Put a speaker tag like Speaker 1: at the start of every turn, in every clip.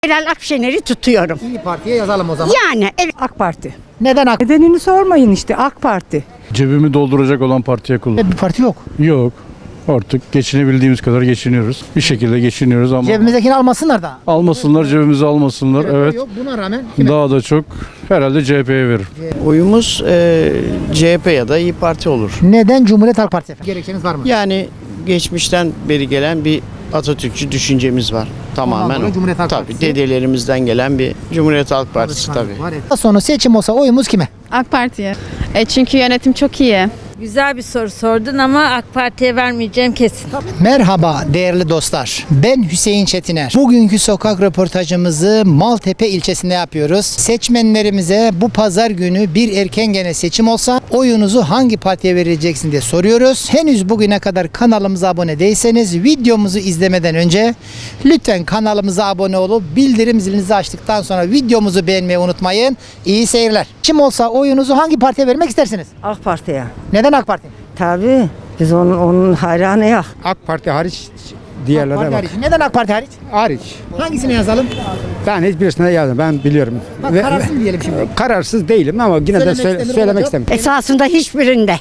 Speaker 1: Meral Akşener'i tutuyorum.
Speaker 2: İyi Parti'ye yazalım o zaman.
Speaker 1: Yani evet.
Speaker 3: AK Parti.
Speaker 2: Neden AK
Speaker 3: Nedenini sormayın işte AK Parti.
Speaker 4: Cebimi dolduracak olan partiye kullan.
Speaker 2: Bir parti yok?
Speaker 4: Yok. Artık geçinebildiğimiz kadar geçiniyoruz. Bir şekilde geçiniyoruz ama
Speaker 2: Cebimizdekini almasınlar da.
Speaker 4: almasınlar, cebimizi almasınlar. Evet.
Speaker 2: Yok, buna rağmen kime?
Speaker 4: Daha da çok herhalde CHP'ye verir.
Speaker 5: Oyumuz CHP ya da İyi Parti olur.
Speaker 2: Neden Cumhuriyet Halk Partisi efendim? Gerekçeniz var mı?
Speaker 5: Yani geçmişten beri gelen bir Atatürkçü düşüncemiz var. Tamamen
Speaker 2: dolayı
Speaker 5: o.
Speaker 2: Cumhuriyet Halk
Speaker 5: Tabii
Speaker 2: Partisi.
Speaker 5: dedelerimizden gelen bir Cumhuriyet Halk Partisi tabii.
Speaker 2: Daha sonra seçim olsa oyumuz kime?
Speaker 6: AK Parti'ye. Çünkü yönetim çok iyi.
Speaker 7: Güzel bir soru sordun ama AK Parti'ye vermeyeceğim kesin.
Speaker 2: Merhaba değerli dostlar. Ben Hüseyin Çetiner. Bugünkü sokak röportajımızı Maltepe ilçesinde yapıyoruz. Seçmenlerimize bu pazar günü bir erken gene seçim olsa oyunuzu hangi partiye vereceksin diye soruyoruz. Henüz bugüne kadar kanalımıza abone değilseniz videomuzu izlemeden önce lütfen kanalımıza abone olup bildirim zilinizi açtıktan sonra videomuzu beğenmeyi unutmayın. İyi seyirler. Seçim olsa oyunuzu hangi partiye vermek istersiniz?
Speaker 3: AK Parti'ye.
Speaker 2: Neden AK Parti?
Speaker 3: Tabii. Biz onun hayranıyız.
Speaker 8: AK Parti hariç
Speaker 2: AK
Speaker 8: diğerlerine
Speaker 2: Parti
Speaker 8: bak.
Speaker 2: hariç. Neden AK Parti hariç?
Speaker 8: Hariç.
Speaker 2: Hangisine yazalım?
Speaker 8: Ben hiçbirisine yazdım. Ben biliyorum.
Speaker 2: Bak kararsız mı diyelim şimdi?
Speaker 8: Kararsız değilim ama yine
Speaker 2: Söylemek
Speaker 8: de
Speaker 2: istemiyorum,
Speaker 8: söylemek
Speaker 2: olacak.
Speaker 8: istemiyorum.
Speaker 1: Esasında hiçbirinde.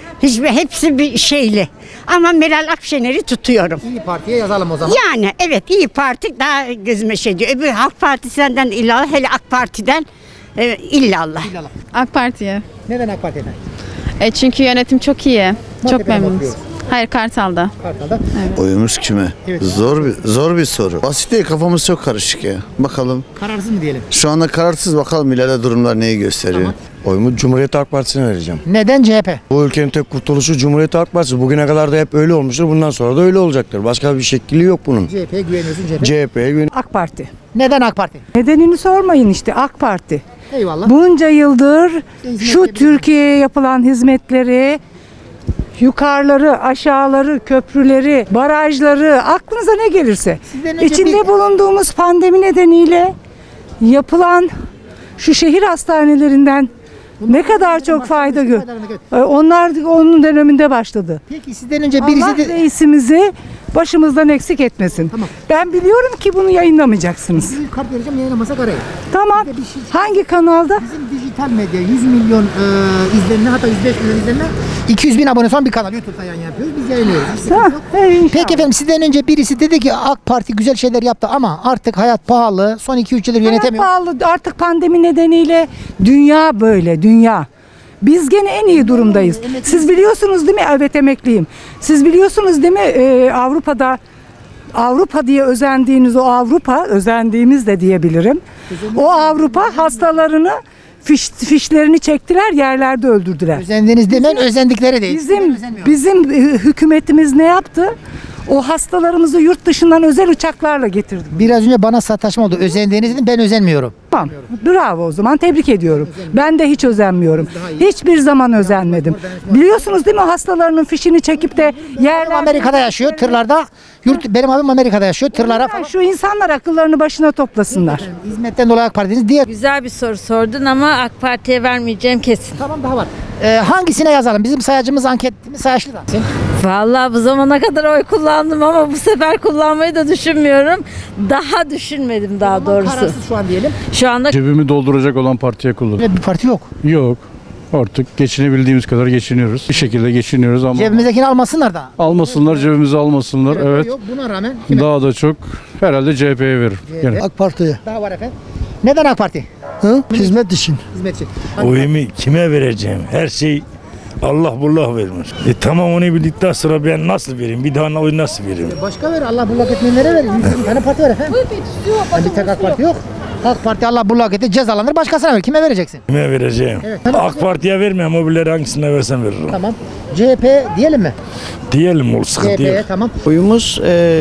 Speaker 1: Hepsi bir şeyli. Ama Meral Akşener'i tutuyorum.
Speaker 2: İyi Parti'ye yazalım o zaman.
Speaker 1: Yani evet İyi Parti daha gözüme şey diyor. Öbür Halk Partisi'nden illallah, hele AK Parti'den illallah.
Speaker 6: AK Parti'ye.
Speaker 2: Neden AK Parti efendim?
Speaker 6: Çünkü yönetim çok iyi. Çok
Speaker 2: Maltepe'de mi
Speaker 6: memnunuz.
Speaker 2: oturuyoruz?
Speaker 6: Hayır, Kartal'da.
Speaker 2: Kartal'da.
Speaker 9: Oyumuz kime?
Speaker 2: Evet.
Speaker 9: Zor bir soru. Basit değil, kafamız çok karışık ya. Bakalım.
Speaker 2: Kararsız mı diyelim?
Speaker 9: Şu anda kararsız, bakalım ileride durumlar neyi gösteriyor.
Speaker 2: Tamam.
Speaker 10: Oyumu Cumhuriyet Halk Partisi'ne vereceğim.
Speaker 2: Neden CHP?
Speaker 10: Bu ülkenin tek kurtuluşu Cumhuriyet Halk Partisi. Bugüne kadar da hep öyle olmuştur. Bundan sonra da öyle olacaktır. Başka bir şekli yok bunun.
Speaker 2: CHP'ye güveniyorsun CHP.
Speaker 10: CHP'ye güven.
Speaker 3: AK Parti.
Speaker 2: Neden AK Parti?
Speaker 3: Nedenini sormayın işte AK Parti.
Speaker 2: Eyvallah.
Speaker 3: Bunca yıldır
Speaker 2: hizmet
Speaker 3: şu
Speaker 2: yapıyoruz.
Speaker 3: Türkiye'ye yapılan hizmetleri, yukarıları, aşağıları, köprüleri, barajları, aklınıza ne gelirse.
Speaker 2: Sizden önce
Speaker 3: İçinde bulunduğumuz pandemi nedeniyle yapılan şu şehir hastanelerinden ne kadar çok fayda gör. Onlar onun döneminde başladı.
Speaker 2: Peki sizden önce birisi
Speaker 3: Allah
Speaker 2: de...
Speaker 3: reisimizi başımızdan eksik etmesin.
Speaker 2: Tamam.
Speaker 3: Ben biliyorum ki bunu yayınlamayacaksınız.
Speaker 2: Bir kart vereceğim, yayınlamasak arayın.
Speaker 3: Tamam.
Speaker 2: Bir de bir şey-
Speaker 3: Hangi kanalda?
Speaker 2: Bizim dijital medya 100 milyon izlenme, hatta 105 milyon izlenme. 200 bin abone son bir kanal YouTube'da yayın yapıyoruz. Biz yayınlıyoruz. Hiç sıkıntı yok. Peki efendim, sizden önce birisi dedi ki AK Parti güzel şeyler yaptı ama artık hayat pahalı. Son 2-3 yıldır yönetemiyor.
Speaker 3: Hayat pahalı. Artık pandemi nedeniyle dünya böyle, dünya. Biz gene en iyi durumdayız. Siz biliyorsunuz değil mi? Evet, emekliyim. Siz biliyorsunuz değil mi? Avrupa diye özendiğiniz o Avrupa, özendiğimiz de diyebilirim. O Avrupa hastalarını fişlerini çektiler, yerlerde öldürdüler.
Speaker 2: Özendiniz demen, özendikleri değil.
Speaker 3: Bizim hükümetimiz ne yaptı? O hastalarımızı yurt dışından özel uçaklarla getirdi.
Speaker 2: Biraz önce bana sataşma oldu. Özendiğiniz dedim, ben özenmiyorum.
Speaker 3: Tamam. Bravo, o zaman tebrik ediyorum. Ben de hiç özenmiyorum. Hiçbir zaman özenmedim. Biliyorsunuz değil mi, hastalarının fişini çekip de yerlerde...
Speaker 2: Amerika'da yaşıyor tırlarda. Benim abim Amerika'da yaşıyor tırlara falan.
Speaker 3: Şu insanlar akıllarını başına toplasınlar.
Speaker 2: Hizmetten dolayı AK Parti'niz diğer.
Speaker 7: Güzel bir soru sordun ama AK Parti'ye vermeyeceğim kesin.
Speaker 2: Tamam, daha var. Hangisine yazalım? Bizim sayacımız, anketimiz sayaçlı da.
Speaker 7: Vallahi bu zamana kadar oy kullandım ama bu sefer kullanmayı da düşünmüyorum. Daha düşünmedim daha doğrusu.
Speaker 2: Kararsız şu an diyelim.
Speaker 7: Şu anda
Speaker 4: Cebimi dolduracak olan partiye kullan.
Speaker 2: Bir parti yok.
Speaker 4: Yok. Artık geçinebildiğimiz kadar geçiniyoruz. Bir şekilde geçiniyoruz ama
Speaker 2: Cebimizdekini almasınlar da.
Speaker 4: almasınlar, cebimizi almasınlar. Evet.
Speaker 2: Yok, buna rağmen kime?
Speaker 4: Daha da çok herhalde CHP'ye verir. Gene.
Speaker 2: AK Parti'ye. Daha var efendim. Neden AK Parti?
Speaker 8: Hizmet için.
Speaker 2: Hizmetçi.
Speaker 11: Oyumu kime vereceğim? Her şey Allah bullah vermiş. Tamam, onu bildikten sonra ben nasıl vereyim? Bir daha oy nasıl vereyim?
Speaker 2: Başka ver. Allah bullak etmeyenlere ver. 100 tane parti var efendim. Bir tek AK Parti yok. AK Parti Allah bullak etti, cezalanır, başkasına ver. Kime vereceksin?
Speaker 11: Kime vereceğim?
Speaker 2: Evet.
Speaker 11: AK Parti'ye vermem. Mobilleri hangisine versem veririm.
Speaker 2: Tamam. CHP diyelim mi?
Speaker 11: Diyelim, o sıkıntı
Speaker 2: CHP'ye
Speaker 11: yok.
Speaker 2: tamam.
Speaker 5: Oyumuz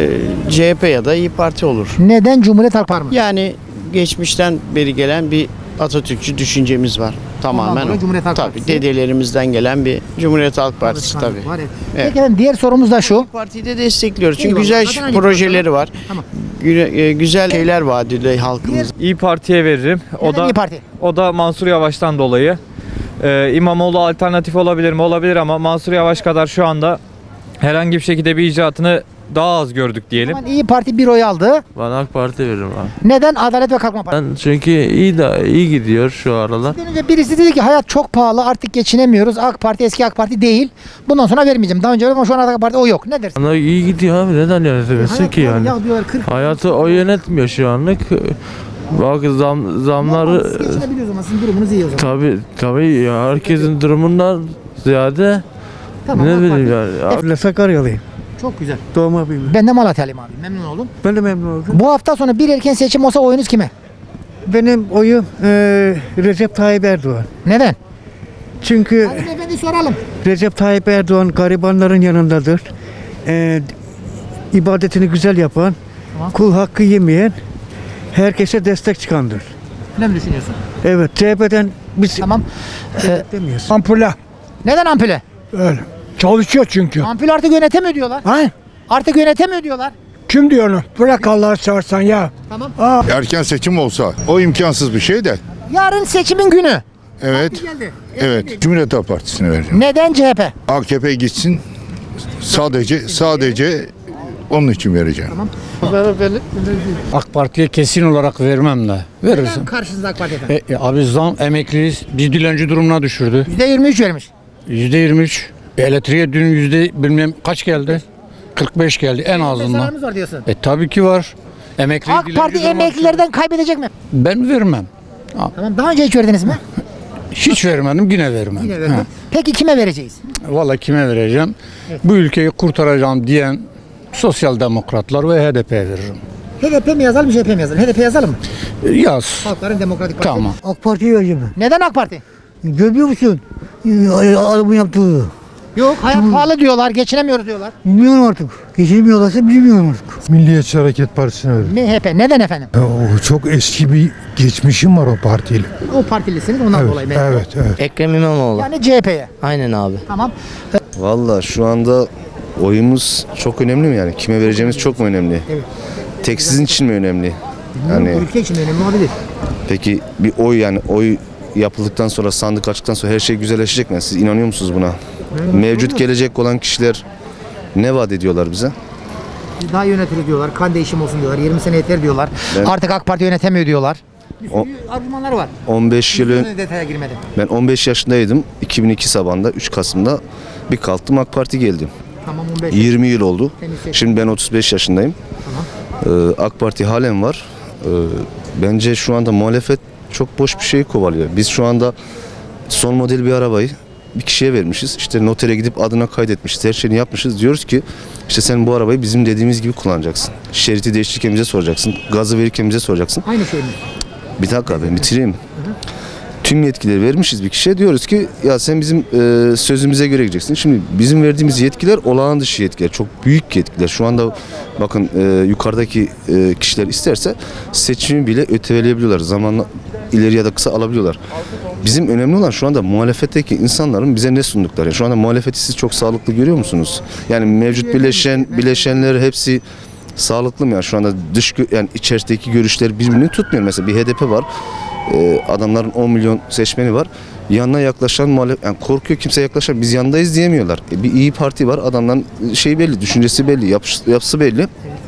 Speaker 5: CHP ya da İyi Parti olur.
Speaker 2: Neden Cumhuriyet Halk Partisi?
Speaker 5: Yani geçmişten beri gelen bir Atatürkçü düşüncemiz var. Tamamen
Speaker 2: dolayı
Speaker 5: o.
Speaker 2: Cumhuriyet Halk
Speaker 5: Tabii
Speaker 2: Partisi.
Speaker 5: dedelerimizden gelen bir Cumhuriyet Halk Partisi tabii.
Speaker 2: Var, evet.
Speaker 5: Evet.
Speaker 2: Peki efendim, diğer sorumuz da şu.
Speaker 5: Partiyi de destekliyoruz. Çünkü
Speaker 2: Eyvallah.
Speaker 5: güzel
Speaker 2: Zaten aynı
Speaker 5: projeleri var.
Speaker 2: Tamam.
Speaker 5: Güzel şeyler vaat ediyor halkımız.
Speaker 12: İyi Parti'ye veririm.
Speaker 2: Neden İYİ Parti?
Speaker 12: O da Mansur Yavaş'tan dolayı. İmamoğlu alternatif olabilir mi? Olabilir ama Mansur Yavaş kadar şu anda herhangi bir şekilde bir icraatını daha az gördük diyelim.
Speaker 2: Ama İyi Parti bir oy aldı.
Speaker 12: Ben AK Parti veririm abi.
Speaker 2: Neden? Adalet ve Kalkınma Partisi.
Speaker 12: Ben çünkü iyi gidiyor şu aralar.
Speaker 2: Önce birisi dedi ki hayat çok pahalı artık geçinemiyoruz. AK Parti eski AK Parti değil. Bundan sonra vermeyeceğim. Daha önce verdim ama şu an AK Parti o yok. Ne dersin?
Speaker 12: Ama iyi gidiyor abi, neden yönetemesin ki yani?
Speaker 2: Ya diyorlar 40.
Speaker 12: Hayatı o yönetmiyor şu anlık. Bak zamları
Speaker 2: Geçinebiliyoruz ama sizin durumunuz iyi o zaman.
Speaker 12: tabii ya, herkesin durumundan ziyade
Speaker 2: Tamam,
Speaker 12: ne
Speaker 2: AK
Speaker 12: bileyim
Speaker 2: Parti.
Speaker 12: yani.
Speaker 8: Ben Sakaryalıyım.
Speaker 2: Çok güzel.
Speaker 8: Doğma büyüme.
Speaker 2: Ben de Malatyalıyım abi. Memnun oldum.
Speaker 8: Ben de memnun oldum.
Speaker 2: Bu hafta sonu bir erken seçim olsa oyunuz kime?
Speaker 8: Benim oyum Recep Tayyip Erdoğan.
Speaker 2: Neden?
Speaker 8: Çünkü
Speaker 2: Hanımefendi soralım.
Speaker 8: Recep Tayyip Erdoğan garibanların yanındadır. İbadetini güzel yapan, kul hakkı yemeyen, herkese destek çıkandır.
Speaker 2: Ne mi düşünüyorsun?
Speaker 8: Evet, CHP'den biz
Speaker 2: Tamam.
Speaker 8: demiyoruz.
Speaker 13: Ampule.
Speaker 2: Neden ampule?
Speaker 13: Öyle. Çalışıyor çünkü.
Speaker 2: Ampul artık yönetemiyor diyorlar.
Speaker 13: Ha?
Speaker 2: Artık yönetemiyor diyorlar.
Speaker 13: Kim diyor onu? Bırak Allah'ı seversen ya.
Speaker 2: Tamam.
Speaker 9: Erken seçim olsa o imkansız bir şey de.
Speaker 2: Yarın seçimin günü.
Speaker 9: Evet.
Speaker 2: Geldi.
Speaker 9: Evet. Cumhuriyet Halk Partisi'ne vereceğim.
Speaker 2: Neden CHP?
Speaker 9: AKP gitsin. Sadece onun için vereceğim.
Speaker 4: AK Parti'ye kesin olarak vermem de. Veririz.
Speaker 2: Neden karşınızda AK Parti efendim?
Speaker 4: Abi zam emekliyiz. Biz dilenci durumuna düşürdü.
Speaker 2: %23 vermiş.
Speaker 4: %23. Elektriğe dün bilmem kaç geldi? 45 geldi en azından.
Speaker 2: Zararımız var diyorsun.
Speaker 4: Tabii ki var. Emekli
Speaker 2: AK Parti emeklilerden kaybedecek mi?
Speaker 4: Ben vermem.
Speaker 2: Tamam. Daha önce hiç verdiniz mi?
Speaker 4: Hiç vermedim, yine vermem.
Speaker 2: Yine verdim. Peki kime vereceğiz?
Speaker 4: Vallahi kime vereceğim? Bu ülkeyi kurtaracağım diyen sosyal demokratlar ve HDP'ye veririm.
Speaker 2: HDP mi yazalım, CHP mi yazalım? HDP yazalım mı?
Speaker 4: Yaz.
Speaker 2: Halkların Demokratik Partisi.
Speaker 4: Tamam.
Speaker 8: AK Parti'yi vereceğim.
Speaker 2: Neden AK Parti?
Speaker 8: Görmüyor musun? Adamın yaptığı.
Speaker 2: Yok, hayat pahalı diyorlar, geçinemiyoruz diyorlar.
Speaker 8: Bilmiyorum artık. Geçirmiyorlarsa bilmiyorum artık.
Speaker 13: Milliyetçi Hareket Partisi'ne veririm.
Speaker 2: MHP neden efendim?
Speaker 13: O çok eski bir geçmişim var o partiyle.
Speaker 2: O partilisiniz ondan dolayı. MHP.
Speaker 13: Evet.
Speaker 5: Ekrem İmamoğlu.
Speaker 2: Yani CHP'ye.
Speaker 5: Aynen abi.
Speaker 2: Tamam.
Speaker 10: Valla şu anda oyumuz çok önemli mi yani? Kime vereceğimiz çok mu önemli?
Speaker 2: Evet.
Speaker 10: Tek sizin için mi önemli? Yani
Speaker 2: Ülke için önemli olabilir.
Speaker 10: peki bir oy yapıldıktan sonra, sandık açtıktan sonra her şey güzelleşecek mi? Siz inanıyor musunuz buna? Mevcut gelecek olan kişiler ne vaat ediyorlar bize?
Speaker 2: Daha yönetilir diyorlar, kan değişimi olsun diyorlar, 20 sene yeter diyorlar.
Speaker 10: Ben-
Speaker 2: Artık AK Parti yönetemiyor diyorlar. Bir
Speaker 10: O-
Speaker 2: sürü argümanlar var.
Speaker 10: 15 yıl
Speaker 2: Detaya girmedim.
Speaker 10: ben 15 yaşındaydım. 2002 sabahında 3 Kasım'da bir kalktım AK Parti geldi.
Speaker 2: Tamam 15.
Speaker 10: 20 yıl oldu.
Speaker 2: Temiz seçim.
Speaker 10: Şimdi ben 35 yaşındayım. AK Parti halen var. Bence şu anda muhalefet çok boş bir şey kovalıyor. Biz şu anda son model bir arabayı bir kişiye vermişiz. İşte notere gidip adına kaydetmişiz. Her şeyini yapmışız. Diyoruz ki işte sen bu arabayı bizim dediğimiz gibi kullanacaksın. Şeridi değiştirirken bize soracaksın. Gazı verirken bize soracaksın.
Speaker 2: Aynı şey mi?
Speaker 10: Bir dakika ben bitireyim. Tüm yetkileri vermişiz bir kişiye. Diyoruz ki ya sen bizim sözümüze göre gideceksin. Şimdi bizim verdiğimiz yetkiler olağan dışı yetkiler. Çok büyük yetkiler. Şu anda bakın yukarıdaki kişiler isterse seçimi bile öteleyebiliyorlar. Zamanla ileri ya da kısa alabiliyorlar. Bizim önemli olan şu anda muhalefetteki insanların bize ne sundukları. Şu anda muhalefeti siz çok sağlıklı görüyor musunuz? Yani mevcut bileşenler hepsi sağlıklı mı ya? Şu anda yani içerideki görüşler birbirini tutmuyor. Mesela bir HDP var. Adamların 10 milyon seçmeni var. Yanına yaklaşan muhalefet, yani korkuyor kimse yaklaşan. Biz yanındayız diyemiyorlar. Bir İyi Parti var. Adamların şey belli, düşüncesi belli, yapısı belli.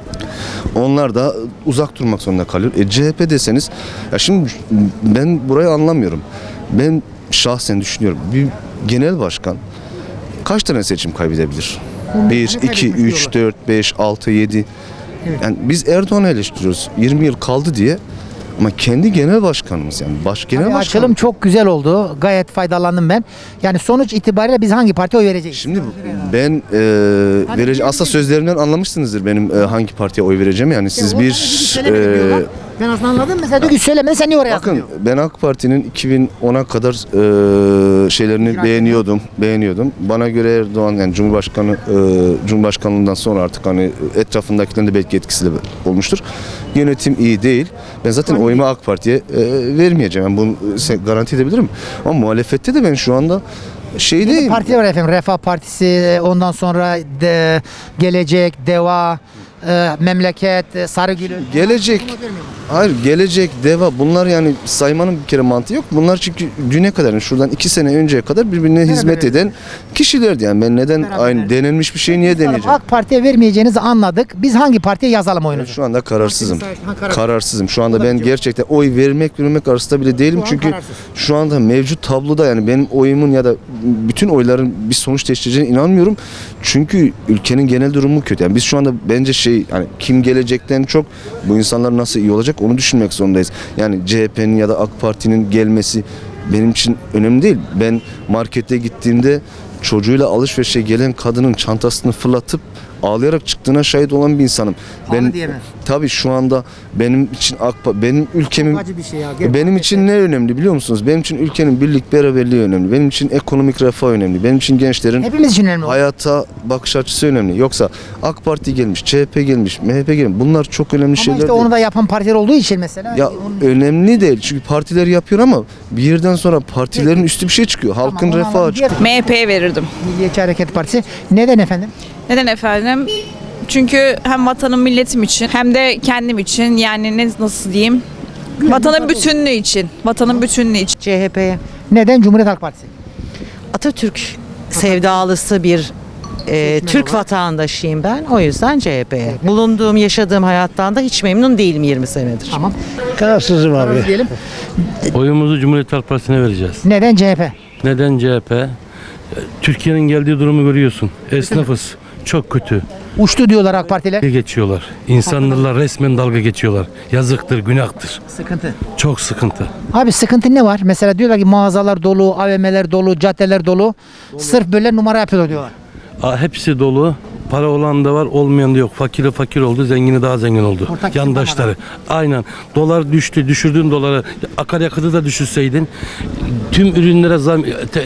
Speaker 10: Onlar da uzak durmak zorunda kalıyor. CHP deseniz, ya şimdi ben burayı anlamıyorum. Ben şahsen düşünüyorum. Bir genel başkan kaç tane seçim kaybedebilir? 1, 2, 3, 4, 5, 6, 7. Yani biz Erdoğan'ı eleştiriyoruz. 20 yıl kaldı diye. Ama kendi genel başkanımız yani. Genel başkan.
Speaker 2: Açılım çok güzel oldu. Gayet faydalandım ben. Yani sonuç itibariyle biz hangi partiye oy vereceğiz?
Speaker 10: Şimdi ben aslında sözlerimden anlamışsınızdır benim hangi partiye oy vereceğim. Yani siz
Speaker 2: Ben aslında anladım. Mesela diyor ki söylemedin sen niye oraya
Speaker 10: bakın ben AK Parti'nin 2010'a kadar şeylerini beğeniyordum. Bana göre Erdoğan yani Cumhurbaşkanlığından sonra artık hani etrafındakilerin de belki etkisi de olmuştur. Yönetim iyi değil. Ben zaten oyumu AK Parti'ye vermeyeceğim. Yani bunu garanti edebilirim. Ama muhalefette de ben şu anda değil.
Speaker 2: Parti var efendim. Refah Partisi, ondan sonra Gelecek, Deva, Memleket, Sarıgül.
Speaker 10: Gelecek Hayır, gelecek, deva bunlar yani saymanın bir kere mantığı yok. Bunlar çünkü düne kadar yani şuradan 2 sene önceye kadar birbirine hizmet eden kişilerdi yani. Ben neden aynı denenmiş bir şeyi niye deneyeceğim?
Speaker 2: AK Parti'ye vermeyeceğinizi anladık. Biz hangi partiye yazalım
Speaker 10: Ben
Speaker 2: oyunuzu?
Speaker 10: şu anda kararsızım.
Speaker 2: Karar.
Speaker 10: Kararsızım. Şu anda ben gerçekten oy vermek arasında bile değilim.
Speaker 2: Şu an
Speaker 10: Çünkü
Speaker 2: kararsız.
Speaker 10: şu anda mevcut tabloda yani benim oyumun ya da bütün oyların bir sonuç değiştireceğine inanmıyorum. Çünkü ülkenin genel durumu kötü. Yani biz şu anda bence yani kim gelecekten çok bu insanlar nasıl iyi olacak onu düşünmek zorundayız. Yani CHP'nin ya da AK Parti'nin gelmesi benim için önemli değil. Ben markete gittiğimde çocuğuyla alışverişe gelen kadının çantasını fırlatıp ağlayarak çıktığına şahit olan bir insanım.
Speaker 2: Pahalı diye mi?
Speaker 10: Tabii şu anda benim için benim ülkemin
Speaker 2: Acı bir şey ya.
Speaker 10: benim için ne önemli biliyor musunuz? Benim için ülkenin birlik beraberliği önemli. Benim için ekonomik refah önemli. Benim için gençlerin
Speaker 2: Hepimiz için önemli.
Speaker 10: hayata bakış açısı önemli. Yoksa AK Parti gelmiş, CHP gelmiş, MHP gelmiş. Bunlar çok önemli
Speaker 2: Ama
Speaker 10: şeyler
Speaker 2: işte
Speaker 10: değil.
Speaker 2: onu da yapan partiler olduğu için mesela.
Speaker 10: Ya önemli değil. Çünkü partiler yapıyor ama bir yerden sonra partilerin üstü bir şey çıkıyor. Halkın
Speaker 2: onu
Speaker 10: refahı
Speaker 2: anladım.
Speaker 10: çıkıyor.
Speaker 14: MHP'ye verirdim.
Speaker 2: Milliyetçi Hareket Partisi. Neden efendim?
Speaker 14: Neden efendim? Çünkü hem vatanım milletim için hem de kendim için yani nasıl diyeyim? Vatanın bütünlüğü için. Vatanın bütünlüğü için.
Speaker 15: CHP'ye.
Speaker 2: Neden Cumhuriyet Halk Partisi?
Speaker 15: Atatürk sevdalısı bir Türk vatandaşıyım ben. O yüzden CHP'ye. Bulunduğum, yaşadığım hayattan da hiç memnun değilim 20 senedir.
Speaker 2: Tamam.
Speaker 8: Kararsızım abi.
Speaker 2: Karar diyelim.
Speaker 12: Oyumuzu Cumhuriyet Halk Partisi'ne vereceğiz.
Speaker 2: Neden CHP?
Speaker 12: Neden CHP? Türkiye'nin geldiği durumu görüyorsun. Esnafız. Çok kötü.
Speaker 2: Uçtu diyorlar AK Partiler.
Speaker 12: Dalga geçiyorlar. İnsanlarla resmen dalga geçiyorlar. Yazıktır, günahtır.
Speaker 2: Sıkıntı.
Speaker 12: Çok sıkıntı.
Speaker 2: Abi sıkıntı ne var? Mesela diyorlar ki mağazalar dolu, AVM'ler dolu, caddeler dolu. Sırf böyle numara yapıyorlar diyorlar.
Speaker 12: Hepsi dolu. Para olan da var, olmayan da yok. Fakiri fakir oldu, zengini daha zengin oldu.
Speaker 2: Ortak
Speaker 12: Yandaşları. Aynen. Dolar düştü. Düşürdüğün doları akaryakıtı da düşürseydin tüm ürünlere zam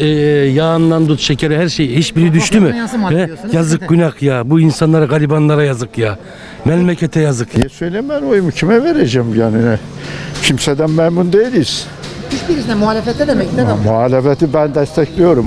Speaker 12: yağından tut şekeri her şey hiçbiri düştü mü? Yazık günah ya. Bu insanlara garibanlara yazık ya. Memlekete yazık.
Speaker 13: Niye söyleyeyim ben oyumu kime vereceğim yani? Kimseden memnun değiliz.
Speaker 2: Hiçbirisine muhalefette demek. Neden?
Speaker 13: Muhalefeti ben destekliyorum.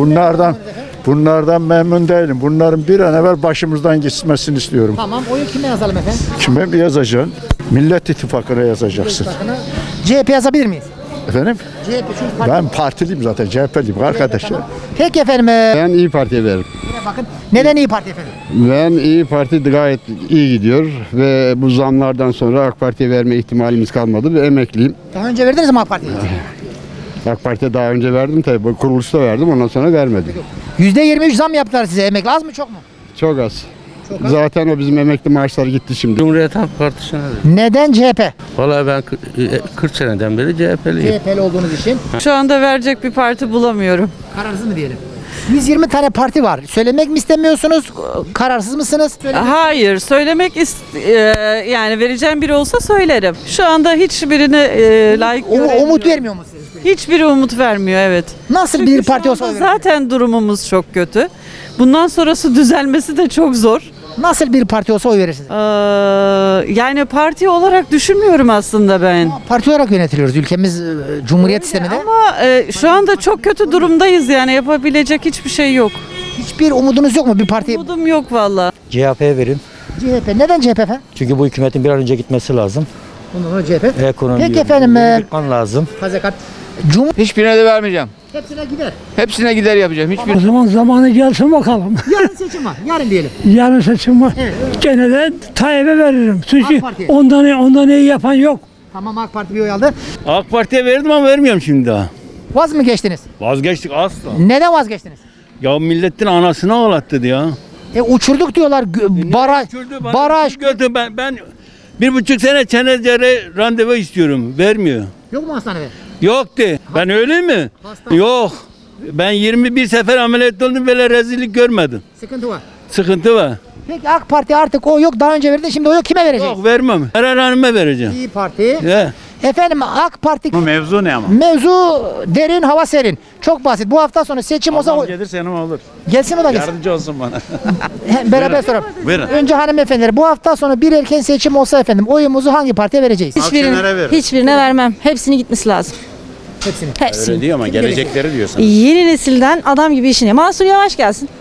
Speaker 13: Bunlardan memnun değilim. Bunların bir an evvel başımızdan gitmesini istiyorum.
Speaker 2: Tamam, oyu kime yazalım efendim?
Speaker 13: Kime mi yazacaksın? Millet İttifakı'na yazacaksın.
Speaker 2: CHP yazabilir miyiz?
Speaker 13: Efendim?
Speaker 2: CHP çünkü parti.
Speaker 13: Ben partiliyim zaten. CHP'liyim arkadaşlar.
Speaker 2: Peki efendim.
Speaker 16: Ben İyi Parti'ye veririm.
Speaker 2: Bakın. Neden İyi Parti efendim?
Speaker 16: Ben İyi Parti gayet iyi gidiyor ve bu zamlardan sonra AK Parti'ye verme ihtimalimiz kalmadı ve emekliyim.
Speaker 2: Daha önce verdiniz mi AK Parti'ye?
Speaker 16: AK Parti'ye daha önce verdim tabii. Bu kuruluşta verdim ondan sonra vermedim.
Speaker 2: %23 zam yaptılar size. Emekli az mı çok mu?
Speaker 16: Çok az. Zaten o bizim emekli maaşlar gitti şimdi.
Speaker 12: Cumhuriyet Halk Partisi'ne
Speaker 2: Neden CHP?
Speaker 12: Vallahi ben 40 seneden beri CHP'liyim.
Speaker 2: CHP'li olduğunuz için.
Speaker 14: Şu anda verecek bir parti bulamıyorum.
Speaker 2: Kararsız mı diyelim? 120 tane parti var. Söylemek mi istemiyorsunuz? Kararsız mısınız?
Speaker 14: Hayır, yani vereceğim biri olsa söylerim. Şu anda hiçbirine layık
Speaker 2: Umut vermiyor mu size?
Speaker 14: Hiçbiri umut vermiyor, evet.
Speaker 2: Nasıl
Speaker 14: Çünkü
Speaker 2: bir parti
Speaker 14: şu
Speaker 2: olsa
Speaker 14: anda
Speaker 2: oy verirsiniz?
Speaker 14: zaten durumumuz çok kötü. Bundan sonrası düzelmesi de çok zor.
Speaker 2: Nasıl bir parti olsa oy verirsiniz?
Speaker 14: Yani parti olarak düşünmüyorum aslında ben.
Speaker 2: Parti olarak yönetiliyoruz. Ülkemiz Cumhuriyet sisteminde.
Speaker 14: Ama şu anda çok kötü durumdayız yani yapabilecek hiçbir şey yok.
Speaker 2: Hiçbir umudunuz yok mu bir parti?
Speaker 14: Umudum yok valla.
Speaker 8: CHP'ye verin.
Speaker 2: CHP. Neden CHP efendim?
Speaker 8: Çünkü bu hükümetin bir an önce gitmesi lazım.
Speaker 2: Ondan sonra CHP.
Speaker 8: Ekonomi
Speaker 2: Peki efendim.
Speaker 8: yıkman lazım.
Speaker 2: Fazekat.
Speaker 17: Hiçbirine de vermeyeceğim.
Speaker 2: Hepsine gider.
Speaker 17: Hepsine gider yapacağım. Hiçbir
Speaker 8: O zaman zamanı gelsin bakalım.
Speaker 2: Yarın seçim var. Yarın diyelim.
Speaker 8: Yarın seçim var.
Speaker 2: Evet.
Speaker 8: Gene de Tayyip'e veririm. Çünkü
Speaker 2: AK Parti.
Speaker 8: ondan iyi yapan yok.
Speaker 2: Tamam, AK Parti bir oy aldı.
Speaker 11: AK Parti'ye verdim ama vermiyorum şimdi daha.
Speaker 2: Vaz mı geçtiniz?
Speaker 11: Vazgeçtik asla.
Speaker 2: Neden vazgeçtiniz?
Speaker 11: Ya milletin anasını ağlattı ya.
Speaker 2: Uçurduk diyorlar. Baraj. Baraj.
Speaker 11: Ben 1,5 sene Çenezere randevu istiyorum. Vermiyor.
Speaker 2: Yok mu hastanede?
Speaker 11: Yok de. Ben öyle mi? Yok. Ben 21 sefer ameliyat oldum böyle rezillik görmedim.
Speaker 2: Sıkıntı var.
Speaker 11: Sıkıntı var.
Speaker 2: Peki AK Parti artık o yok. Daha önce verdi. Şimdi o yok. Kime verecek?
Speaker 11: Yok vermem. Meral Hanım'a vereceğim.
Speaker 2: İyi Parti.
Speaker 11: He.
Speaker 2: Efendim AK Parti.
Speaker 11: Bu mevzu ne ama?
Speaker 2: Mevzu derin, hava serin. Çok basit. Bu hafta sonu seçim olsa
Speaker 11: Gelirse yanıma olur.
Speaker 2: gelsin o da gelsin.
Speaker 11: Yardımcı olsun bana.
Speaker 2: Beraber soralım.
Speaker 11: Buyurun.
Speaker 2: Önce hanımefendiler, bu hafta sonu bir erken seçim olsa efendim oyumuzu hangi partiye vereceğiz?
Speaker 7: Hiçbirine vermem. Hepsini gitmesi lazım.
Speaker 2: Hepsini.
Speaker 7: Hepsini.
Speaker 11: Diyor ama gelecekleri diyorsun.
Speaker 7: Yeni nesilden adam gibi işini. Mansur Yavaş gelsin.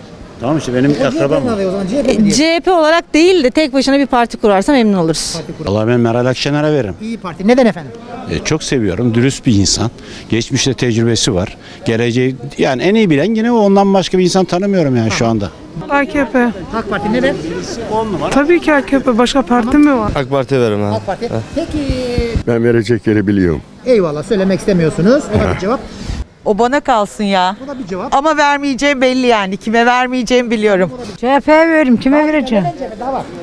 Speaker 18: Tamam işte benim akrabam.
Speaker 15: CHP olarak değil de tek başına bir parti kurarsa memnun oluruz.
Speaker 18: Vallahi ben Meral Akşener'e veririm.
Speaker 2: İyi Parti. Neden efendim?
Speaker 18: Çok seviyorum. Dürüst bir insan. Geçmişte tecrübesi var. Geleceği yani en iyi bilen yine o. Ondan başka bir insan tanımıyorum yani şu anda.
Speaker 3: AKP.
Speaker 2: AK Parti neden?
Speaker 3: Tabii ki AKP. Başka parti mi var?
Speaker 9: AK Parti veririm ha.
Speaker 2: AK Parti. Peki.
Speaker 13: Ben verecek yeri biliyorum.
Speaker 2: Eyvallah, söylemek istemiyorsunuz. O da bir cevap.
Speaker 15: O bana kalsın ya.
Speaker 2: O da bir cevap.
Speaker 15: Ama vermeyeceğim belli yani. Kime vermeyeceğimi biliyorum.
Speaker 3: CHP'ye veririm. Kime vereceğim?
Speaker 2: Daha var.